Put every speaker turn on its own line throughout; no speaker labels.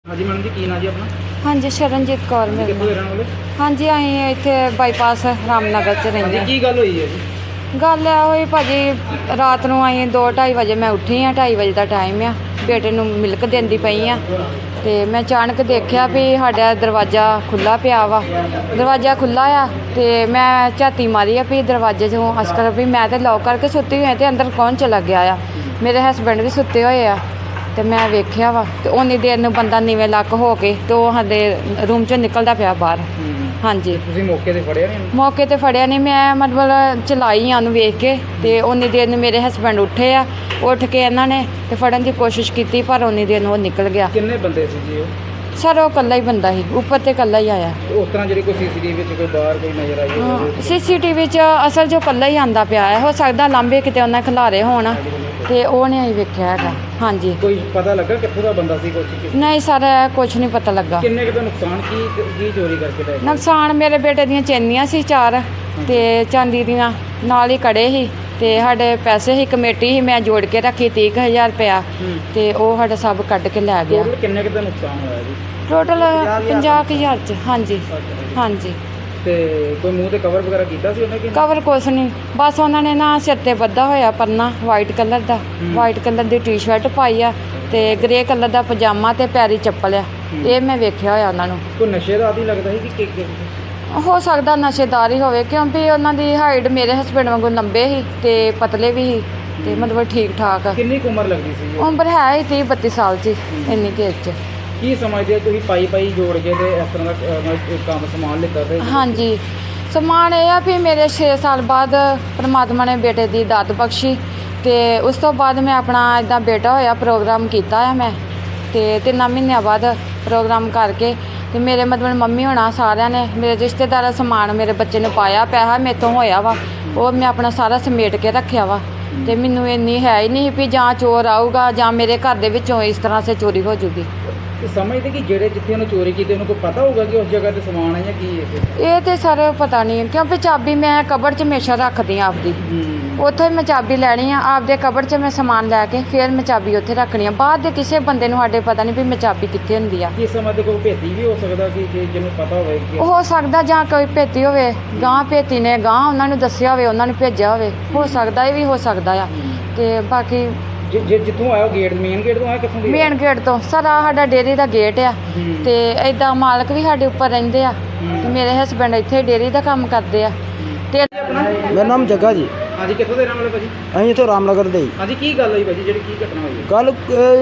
हाँ जी मैडम जी, की नाम जी अपना?
हाँ जी, शरणजीत कौर मेरा
कितों दे
नाम।
रहने वाले?
हाँ जी, ਅਸੀਂ ਇੱਥੇ ਬਾਈਪਾਸ ਰਾਮਨਗਰ 'ਚ
हाँ
ਰਹਿੰਦੇ
जी,
ਹਾਂ।
की गल हुई है जी?
ਗੱਲ ਇਹ ਹੋਈ ਭਾਜੀ, ਰਾਤ ਨੂੰ ਅਸੀਂ 2-2:30 ਵਜੇ ਮੈਂ ਉੱਠੀ ਹਾਂ। 2:30 ਵਜੇ ਦਾ ਟਾਈਮ ਆ, ਬੇਟੇ ਨੂੰ ਮਿਲਕ ਦਿੰਦੀ ਪਈ ਆ ਤੇ ਮੈਂ ਅਚਾਨਕ ਦੇਖਿਆ ਵੀ ਸਾਡਾ ਦਰਵਾਜ਼ਾ ਖੁੱਲ੍ਹਾ ਪਿਆ ਵਾ। ਦਰਵਾਜ਼ਾ ਖੁੱਲ੍ਹਾ ਆ ਤੇ ਮੈਂ ਝਾਤੀ ਮਾਰੀ ਆ ਵੀ ਦਰਵਾਜ਼ੇ 'ਚੋਂ ਅਸਕਰ ਵੀ ਮੈਂ ਤਾਂ ਲੌਕ ਕਰਕੇ ਸੁੱਤੀ ਹੋਈ ਤੇ ਅੰਦਰ ਕੌਣ ਚਲਾ ਗਿਆ ਆ। ਮੇਰੇ ਹਸਬੈਂਡ ਵੀ ਸੁੱਤੇ ਹੋਏ ਆ ਤੇ ਮੈਂ ਵੇਖਿਆ ਵਾ ਤੇ ਉਨੀ ਦੇਰ ਨੂੰ ਬੰਦਾ ਨੀਵੇਂ ਲੱਕ ਹੋ ਕੇ ਤੇ ਉਹ ਸਾਡੇ ਰੂਮ 'ਚੋਂ ਨਿਕਲਦਾ ਪਿਆ ਬਾਹਰ। ਹਾਂਜੀ,
ਤੁਸੀਂ ਮੌਕੇ ਤੇ ਫੜਿਆ ਨਹੀਂ?
ਮੌਕੇ ਤੇ ਫੜਿਆ ਨਹੀਂ, ਮੈਂ ਮਤਲਬ ਚਲਾਈ ਆ ਉਹਨੂੰ ਵੇਖ ਕੇ ਤੇ ਉਨੀ ਦੇਰ ਨੂੰ ਮੇਰੇ ਹਸਬੈਂਡ ਉੱਠੇ ਆ। ਉੱਠ ਕੇ ਇਹਨਾਂ ਨੇ ਤੇ ਫੜਨ ਦੀ ਕੋਸ਼ਿਸ਼ ਕੀਤੀ ਪਰ ਉਨੀ ਦੇਰ ਨੂੰ ਉਹ ਨਿਕਲ ਗਿਆ।
ਕਿੰਨੇ ਬੰਦੇ ਸੀ ਜੀ ਉਹ?
ਸਰ ਉਹ ਇਕੱਲਾ ਹੀ ਬੰਦਾ ਸੀ, ਉੱਪਰ ਤੇ ਇਕੱਲਾ ਹੀ ਆਇਆ।
ਉਸ ਤਰ੍ਹਾਂ ਜਿਹੜੀ ਕੋਈ ਸੀਸੀਟੀਵੀ ਵਿੱਚ ਕੋਈ ਬਾਹਰ ਕੋਈ ਨਜ਼ਰ ਆਈ ਹੋਵੇ?
ਸੀਸੀਟੀਵੀ 'ਚ ਅਸਲ 'ਚ ਇਕੱਲਾ ਹੀ ਆਂਦਾ ਪਿਆ ਹੈ। ਹੋ ਸਕਦਾ ਲਾਂਬੇ ਕਿਤੇ ਉਹਨਾਂ ਖਿਲਾਰੇ ਹੋਣ ਤੇ ਉਹ ਨਹੀਂ ਅਸੀਂ ਵੇਖਿਆ ਹੈਗਾ। ਹਾਂਜੀ,
ਕੋਈ ਪਤਾ ਲੱਗਾ ਕਿੱਥੋਂ ਦਾ ਬੰਦਾ ਸੀ ਕੁਛ?
ਨਹੀਂ ਸਰ, ਕੁਝ ਨਹੀਂ ਪਤਾ ਲੱਗਾ।
ਕਿੰਨੇ ਕੁ ਦਾ ਨੁਕਸਾਨ ਕੀ ਚੋਰੀ ਕਰਕੇ ਲੈ ਗਏ?
ਨੁਕਸਾਨ ਮੇਰੇ ਬੇਟੇ ਦੀਆਂ ਚੈਨੀਆਂ ਸੀ 4 ਤੇ ਚਾਂਦੀ ਦੀਆਂ, ਨਾਲ ਹੀ ਕੜੇ ਸੀ ਤੇ ਸਾਡੇ ਪੈਸੇ ਸੀ, ਕਮੇਟੀ ਸੀ ਮੈਂ ਜੋੜ ਕੇ ਰੱਖੀ 30,000 ਰੁਪਇਆ ਤੇ ਉਹ ਸਾਡਾ ਸਭ ਕੱਢ ਕੇ ਲੈ ਗਿਆ।
ਟੋਟਲ ਕਿੰਨੇ ਕੁ ਦਾ ਨੁਕਸਾਨ ਹੋਇਆ ਜੀ?
ਟੋਟਲ 50,000 ਚ। ਹਾਂਜੀ ਹਾਂਜੀ।
ਤੇ ਕੋਈ ਮੂੰਹ ਤੇ ਕਵਰ ਵਗੈਰਾ ਕੀਤਾ ਸੀ ਉਹਨੇ ਕਿ?
ਕਵਰ ਕੁਛ ਨਹੀਂ, ਬਸ ਉਹਨਾਂ ਨੇ ਨਾ ਸਿਰ ਤੇ ਬੱਧਾ ਹੋਇਆ ਪਰਨਾ ਵਾਈਟ ਕਲਰ ਦਾ, ਵਾਈਟ ਕਲਰ ਦੀ ਟੀ-ਸ਼ਰਟ ਪਾਈ ਆ ਤੇ ਗ੍ਰੇ ਕਲਰ ਦਾ ਪਜਾਮਾ ਤੇ ਪੈਰੀ ਚੱਪਲ ਆ। ਇਹ ਮੈਂ ਵੇਖਿਆ ਹੋਇਆ ਉਹਨਾਂ ਨੂੰ।
ਕੋਈ ਨਸ਼ੇ ਦਾ ਆਦੀ ਲੱਗਦਾ ਸੀ ਕਿ
ਹੋ ਸਕਦਾ ਨਸ਼ੇਦਾਰ ਹੀ ਹੋਵੇ ਕਿਉਂਕਿ ਉਹਨਾਂ ਦੀ ਹਾਈਟ ਮੇਰੇ ਹਸਬੈਂਡ ਵਾਂਗੂ ਲੰਬੇ ਸੀ ਤੇ ਪਤਲੇ ਵੀ ਸੀ ਤੇ ਮਤਲਬ ਠੀਕ ਠਾਕ।
ਕਿੰਨੀ ਕੁ ਉਮਰ ਲੱਗਦੀ ਸੀ?
ਉਮਰ ਹੈ ਹੀ 30-32 ਸਾਲ 'ਚ, ਇੰਨੀ ਕੁ ਏਜ 'ਚ।
ਕੀ ਸਮਝਦੇ ਹੋ ਤੁਸੀਂ ਪਾਈ ਜੋੜ ਕੇ ਤੇ ਇਸ ਤਰ੍ਹਾਂ ਦਾ ਕੰਮ ਸਮਾਨ ਲਿੱਤਾ ਤੇ?
ਹਾਂਜੀ, ਸਮਾਨ ਇਹ ਆ ਵੀ ਮੇਰੇ 6 ਸਾਲ ਬਾਅਦ ਪਰਮਾਤਮਾ ਨੇ ਬੇਟੇ ਦੀ ਦਾਤ ਬਖਸ਼ੀ ਤੇ ਉਸ ਤੋਂ ਬਾਅਦ ਮੈਂ ਆਪਣਾ ਇੱਦਾਂ ਬੇਟਾ ਹੋਇਆ ਪ੍ਰੋਗਰਾਮ ਕੀਤਾ ਆ ਮੈਂ ਤੇ 3 ਮਹੀਨਿਆਂ ਬਾਅਦ ਪ੍ਰੋਗਰਾਮ ਕਰਕੇ ਤੇ ਮੇਰੇ ਮਤਲਬ ਮੰਮੀ ਹੋਣਾ ਸਾਰਿਆਂ ਨੇ ਮੇਰੇ ਰਿਸ਼ਤੇਦਾਰਾਂ ਸਮਾਨ ਮੇਰੇ ਬੱਚੇ ਨੂੰ ਪਾਇਆ, ਪੈਸਾ ਮੇਰੇ ਤੋਂ ਹੋਇਆ ਵਾ ਉਹ ਮੈਂ ਆਪਣਾ ਸਾਰਾ ਸਮੇਟ ਕੇ ਰੱਖਿਆ ਵਾ ਤੇ ਮੈਨੂੰ ਇੰਨੀ ਹੈ ਹੀ ਨਹੀਂ ਵੀ ਜਾਂ ਚੋਰ ਆਊਗਾ ਜਾਂ ਮੇਰੇ ਘਰ ਦੇ ਵਿੱਚੋਂ ਇਸ ਤਰ੍ਹਾਂ ਸੇ ਚੋਰੀ ਹੋ ਜੂਗੀ।
ਸਮਝਦੇ ਕਿ ਜਿਹੜੇ ਜਿੱਥੇ ਉਹਨੇ ਚੋਰੀ ਕੀਤੀ ਉਹਨੂੰ ਕੋਈ ਪਤਾ ਹੋਊਗਾ ਕਿ ਉਸ ਜਗ੍ਹਾ ਤੇ ਸਮਾਨ ਹੈ ਜਾਂ ਕੀ ਹੈ?
ਇਹ ਤੇ ਸਰ ਪਤਾ ਨਹੀਂ ਕਿਉਂਕਿ ਚਾਬੀ ਮੈਂ ਕਬਰ 'ਚ ਹਮੇਸ਼ਾ ਰੱਖਦੀ ਹਾਂ ਆਪਦੀ। ਉੱਥੋਂ ਹੀ ਮੈਂ ਚਾਬੀ ਲੈਣੀ ਆ ਆਪਦੇ ਕਬਰ 'ਚ ਮੈਂ ਸਮਾਨ ਲੈ ਕੇ ਫਿਰ ਮੈਂ ਚਾਬੀ ਉੱਥੇ ਰੱਖਣੀ ਆ। ਬਾਅਦ ਦੇ ਕਿਸੇ ਬੰਦੇ ਨੂੰ ਸਾਡੇ ਪਤਾ ਨਹੀਂ ਵੀ ਮੈਂ ਚਾਬੀ ਕਿੱਥੇ ਹੁੰਦੀ ਆ।
ਕੀ ਸਮਝਦੇ ਕੋਈ ਭੇਤੀ ਵੀ ਹੋ ਸਕਦਾ ਕਿ ਜਿਹਨੂੰ ਪਤਾ ਹੋਵੇ ਕਿ
ਹੋ ਸਕਦਾ ਜਾਂ ਕੋਈ ਭੇਤੀ ਹੋਵੇ, ਗਾਂ ਭੇਤੀ ਨੇ ਗਾਂ ਉਹਨਾਂ ਨੂੰ ਦੱਸਿਆ ਹੋਵੇ, ਉਹਨਾਂ ਨੂੰ ਭੇਜਿਆ ਹੋਵੇ, ਹੋ ਸਕਦਾ ਇਹ ਵੀ ਹੋ ਸਕਦਾ ਆ। ਤੇ ਬਾਕੀ
ਜਿੱਥੋਂ ਆਇਆ ਗੇਟ ਮੇਨ ਗੇਟ ਤੋਂ ਆਇਆ ਕਿੱਥੋਂ ਦੀ?
ਮੇਨ ਗੇਟ ਤੋਂ ਸਰ ਆ ਸਾਡਾ ਡੇਅਰੀ ਦਾ ਗੇਟ ਆ ਤੇ ਇਦਾਂ ਮਾਲਕ ਵੀ ਸਾਡੇ ਉੱਪਰ ਰਹਿੰਦੇ ਆ ਤੇ ਮੇਰੇ ਹਸਬੈਂਡ ਇੱਥੇ ਡੇਅਰੀ ਦਾ ਕੰਮ ਕਰਦੇ ਆ। ਤੇ
ਮੇਰਾ ਨਾਮ ਜੱਗਾ ਜੀ।
ਹਾਂਜੀ, ਕਿੱਥੋਂ ਦੇ ਰਹਿਣ ਵਾਲੇ ਭਾਜੀ?
ਅਸੀਂ ਇੱਥੋਂ ਰਾਮਨਗਰ ਦੇ ਜੀ।
ਹਾਂਜੀ, ਕੀ ਗੱਲ ਹੋਈ ਭਾਜੀ, ਜਿਹੜੀ ਕੀ ਘਟਨਾ ਹੋਈ ਹੈ?
ਕੱਲ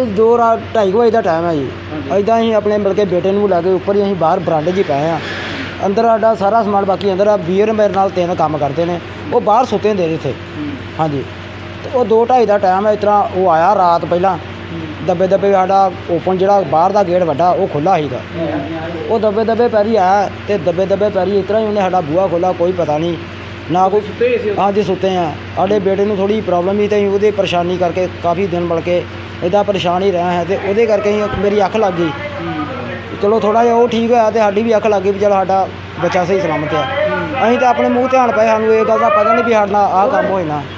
2:30 ਵਜੇ ਦਾ ਟਾਈਮ ਹੈ ਜੀ। ਇੱਦਾਂ ਅਸੀਂ ਆਪਣੇ ਬਲਕਿ ਬੇਟੇ ਨੂੰ ਲੈ ਕੇ ਉੱਪਰ ਹੀ ਅਸੀਂ ਬਾਹਰ ਬਰਾਂਡੇ 'ਚ ਹੀ ਪਏ ਹਾਂ। ਅੰਦਰ ਸਾਡਾ ਸਾਰਾ ਸਮਾਨ ਬਾਕੀ ਅੰਦਰ ਆ। ਵੀਰ ਮੇਰੇ ਨਾਲ 3 ਕੰਮ ਕਰਦੇ ਨੇ, ਉਹ ਬਾਹਰ ਸੁੱਤੇ ਹੁੰਦੇ ਨੇ ਇੱਥੇ। ਹਾਂਜੀ, ਤੇ ਉਹ 2:30 ਦਾ ਟਾਈਮ ਹੈ। ਇਸ ਤਰ੍ਹਾਂ ਉਹ ਆਇਆ ਰਾਤ ਪਹਿਲਾਂ ਦੱਬੇ ਸਾਡਾ ਓਪਨ ਜਿਹੜਾ ਬਾਹਰ ਦਾ ਗੇਟ ਵੱਡਾ ਉਹ ਖੁੱਲ੍ਹਾ ਸੀਗਾ। ਉਹ ਦੱਬੇ ਪੈਰੀ ਆਇਆ ਤੇ ਦੱਬੇ ਪੈਰੀ ਇਸ ਤਰ੍ਹਾਂ ਹੀ ਉਹਨੇ ਸਾਡਾ ਬੂਹਾ ਖੋਲ੍ਹਾ। ਕੋਈ ਪਤਾ ਨਹੀਂ ਨਾ ਕੋਈ।
ਸੁੱਤੇ ਸੀ?
ਹਾਂਜੀ ਸੁੱਤੇ ਆ। ਸਾਡੇ ਬੇਟੇ ਨੂੰ ਥੋੜ੍ਹੀ ਪ੍ਰੋਬਲਮ ਸੀ ਤੇ ਅਸੀਂ ਉਹਦੇ ਪਰੇਸ਼ਾਨੀ ਕਰਕੇ ਕਾਫੀ ਦਿਨ ਮਿਲ ਕੇ ਇੱਦਾਂ ਪਰੇਸ਼ਾਨ ਹੀ ਰਿਹਾ ਹੈ ਤੇ ਉਹਦੇ ਕਰਕੇ ਅਸੀਂ ਮੇਰੀ ਅੱਖ ਲੱਗ ਗਈ। ਚਲੋ ਥੋੜ੍ਹਾ ਜਿਹਾ ਉਹ ਠੀਕ ਹੋਇਆ ਤੇ ਸਾਡੀ ਵੀ ਅੱਖ ਲੱਗ ਗਈ ਵੀ ਚਲੋ ਸਾਡਾ ਬੱਚਾ ਸਹੀ ਸਲਾਮਤ ਆ। ਅਸੀਂ ਤਾਂ ਆਪਣੇ ਮੂੰਹ ਧਿਆਨ ਪਏ, ਸਾਨੂੰ ਇਹ ਗੱਲ ਦਾ ਪਤਾ ਨਹੀਂ ਵੀ ਸਾਡੇ ਨਾਲ ਆਹ ਕੰਮ ਹੋਏ ਨਾ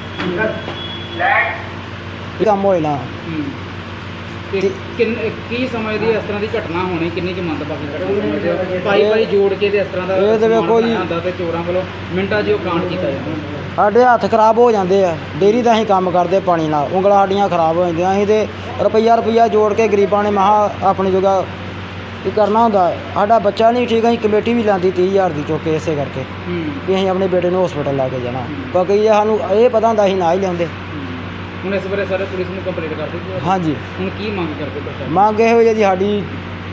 ਕੰਮ ਹੋਏ ਨਾ।
ਤੇ ਕੀ ਸਮਝਦੇ ਇਸ ਤਰ੍ਹਾਂ ਦੀ ਘਟਨਾ ਹੋਣੀ ਕਿੰਨੀ ਕੁ ਮੰਦਭਾਗੀ ਘਟਨਾ ਸਮਝਦੇ ਹੋ? ਪਾਈ ਜੋੜ ਕੇ ਤੇ ਇਸ ਤਰ੍ਹਾਂ ਦਾ
ਇਹ ਤੇ ਵੇਖੋ ਜੀ,
ਹੁੰਦਾ ਤੇ ਚੋਰਾਂ ਵੱਲੋਂ ਮਿੰਟਾਂ 'ਚ ਉਹ ਕਾਂਡ ਕੀਤਾ ਜਾਂਦਾ।
ਸਾਡੇ ਹੱਥ ਖਰਾਬ ਹੋ ਜਾਂਦੇ ਆ। ਡੇਅਰੀ ਦਾ ਅਸੀਂ ਕੰਮ ਕਰਦੇ ਪਾਣੀ ਨਾਲ, ਉਂਗਲਾਂ ਸਾਡੀਆਂ ਖਰਾਬ ਹੋ ਜਾਂਦੀਆਂ। ਅਸੀਂ ਤੇ ਰੁਪਈਆ ਜੋੜ ਕੇ ਗਰੀਬਾਂ ਨੇ ਮਹਾ ਆਪਣੀ ਜਗ੍ਹਾ ਕੀ ਕਰਨਾ ਹੁੰਦਾ। ਸਾਡਾ ਬੱਚਾ ਨਹੀਂ ਠੀਕ, ਅਸੀਂ ਕਮੇਟੀ ਵੀ ਲਾਂਦੀ 30,000 ਦੀ ਚੁੱਕ ਕੇ ਇਸੇ ਕਰਕੇ ਵੀ ਅਸੀਂ ਆਪਣੇ ਬੇਟੇ ਨੂੰ ਹਸਪੀਟਲ ਲੈ ਕੇ ਜਾਣਾ। ਬਾਕੀ ਸਾਨੂੰ ਇਹ ਪਤਾ ਹੁੰਦਾ ਅਸੀਂ ਨਾ ਹੀ ਲਿਆਉਂਦੇ।
ਹੁਣ ਇਸ ਬਾਰੇ ਸਾਰੇ ਪੁਲਿਸ ਨੂੰ ਕੰਪਲੇਂਟ ਕਰ ਦਿੱਤੀ?
ਹਾਂਜੀ।
ਹੁਣ ਕੀ ਮੰਗ ਕਰਦੇ ਪ੍ਰਸ਼ਾਸਨ?
ਮੰਗ ਇਹੋ ਜੀ ਸਾਡੀ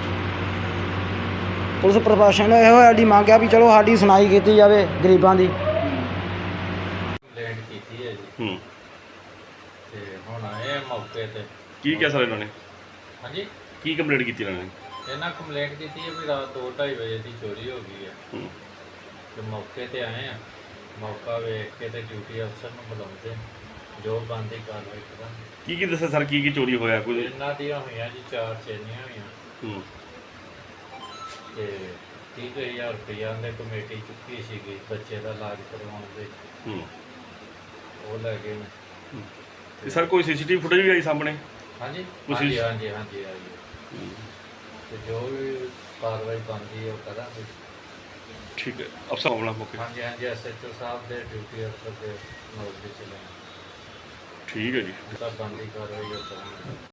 ਪੁਲਿਸ ਪ੍ਰਸ਼ਾਸਨ ਇਹੋ ਸਾਡੀ ਮੰਗ ਆ ਵੀ ਚਲੋ ਸਾਡੀ ਸੁਣਾਈ ਕੀਤੀ ਜਾਵੇ ਗਰੀਬਾਂ ਦੀ।
ਕੰਪਲੇਂਟ ਕੀਤੀ ਹੈ ਜੀ ਤੇ ਹੁਣ ਆਏ ਆ ਮੌਕੇ ਤੇ।
ਕੀ ਕਿਹਾ ਸਰ ਇਹਨਾਂ ਨੇ?
ਹਾਂਜੀ,
ਕੀ ਕੰਪਲੇਂਟ ਕੀਤੀ ਇਹਨਾਂ ਨੇ?
ਇਹਨਾਂ ਕੰਪਲੇਂਟ ਕੀਤੀ ਹੈ ਵੀ ਰਾਤ 2:30 ਵਜੇ ਦੀ ਚੋਰੀ ਹੋ ਗਈ ਹੈ ਤੇ ਮੌਕੇ ਤੇ ਆਏ ਆ। ਮੌਕਾ ਵੇਖ ਕੇ ਤੇ ਡਿਊਟੀ ਅਫਸਰ ਨੂੰ ਬੁਲਾਉਂਦੇ ਜੋ ਬਣਦੀ ਕਾਰਵਾਈ ਕਰਾਂਗੇ।
ਕੀ ਦੱਸਿਆ ਸਰ, ਕੀ ਚੋਰੀ ਹੋਇਆ? ਕੋਈ
ਇਹਨਾਂ ਦੀਆਂ ਹੋਈਆਂ ਜੀ 4 ਚੈਨੀਆਂ ਹੋਈਆਂ ਤੇ 30,000 ਰੁਪਈਆ ਦੇ ਕਮੇਟੀ ਚੁੱਕੀ ਸੀਗੀ ਬੱਚੇ ਦਾ ਇਲਾਜ ਕਰਵਾਉਣ ਦੇ, ਉਹ ਲੈ ਗਏ ਨੇ।
ਤੇ ਸਰ ਕੋਈ ਸੀਸੀਟੀਵੀ ਫੁਟੇਜ ਵੀ ਆਈ ਸਾਹਮਣੇ?
ਹਾਂਜੀ
ਤੁਸੀਂ-
ਹਾਂਜੀ ਆਈ ਹੈ। ਤੇ ਜੋ ਵੀ ਕਾਰਵਾਈ ਬਣਦੀ ਹੈ ਉਹ ਕਰਾਂਗੇ।
ਠੀਕ ਹੈ ਅਫਸਰ ਆਉਣਾ ਮੌਕੇ
ਹਾਂਜੀ ਹਾਂਜੀ, SHO ਸਾਹਿਬ ਦੇ ਡਿਊਟੀ ਅਫਸਰ ਦੇ ਨੋਟ ਤੇ ਚਲੇ
ਠੀਕ ਹੈ ਜੀ
ਤਾਂ ਬਣਦੀ ਕਾਰਵਾਈ ਉਹ ਕਰਾਂਗੇ।